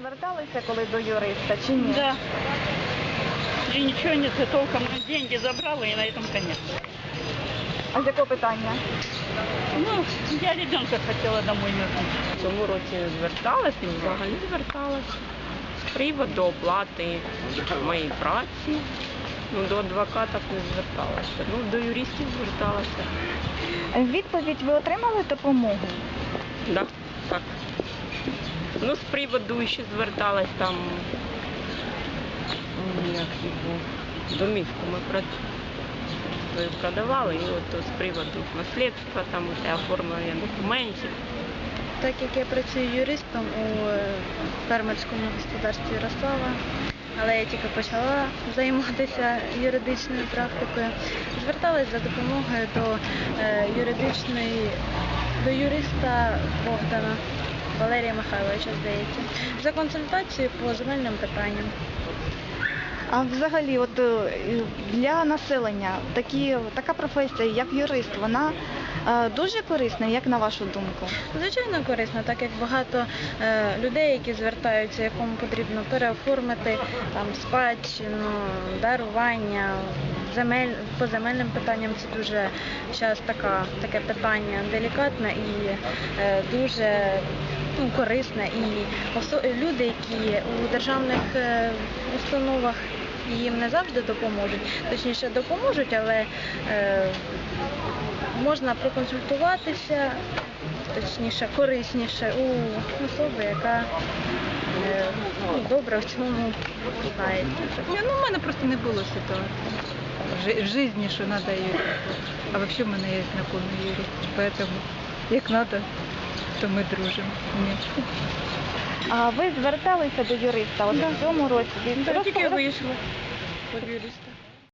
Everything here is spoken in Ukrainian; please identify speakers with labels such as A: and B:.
A: зверталися коли до юриста чи ні?
B: Да. И ничего нет, и толком деньги забрала, и на этом конец.
A: А з якого питання?
B: Ну, я ребенка хотела домой вернуть.
C: В цьому році зверталась і взагалі зверталась з приводу оплати моєї праці. Ну, до адвоката не зверталася. Ну, до юристів зверталася.
A: Відповідь ви отримали допомогу?
C: Да, так. Ну, з приводу ще зверталась там, як його, домівку ми свою продавали, і от з приводу наслідства, там, оформлення документів.
D: Так як я працюю юристом у фермерському господарстві Ярослава, але я тільки почала займатися юридичною практикою, зверталась за допомогою до юриста Богдана Валерія Михайловича, здається, за консультацією по земельним питанням.
A: А взагалі, от для населення така професія, як юрист, вона дуже корисна, як на вашу думку?
D: Звичайно, корисно, так як багато людей, які звертаються, якому потрібно переоформити там спадщину, дарування, по земельним питанням це дуже зараз таке питання делікатне і дуже корисне. І люди, які у державних установах їм не завжди допоможуть, точніше допоможуть, але можна проконсультуватися, точніше, корисніше у особи, яка добре в цьому знається.
E: Ну, у мене просто не було ситуації в житті, що треба юрист. А взагалі в мене є знайомий юрист, тому як треба, то ми дружимо. Ні.
A: А ви зверталися до юриста от в цьому році?
E: Тільки вийшла від юриста.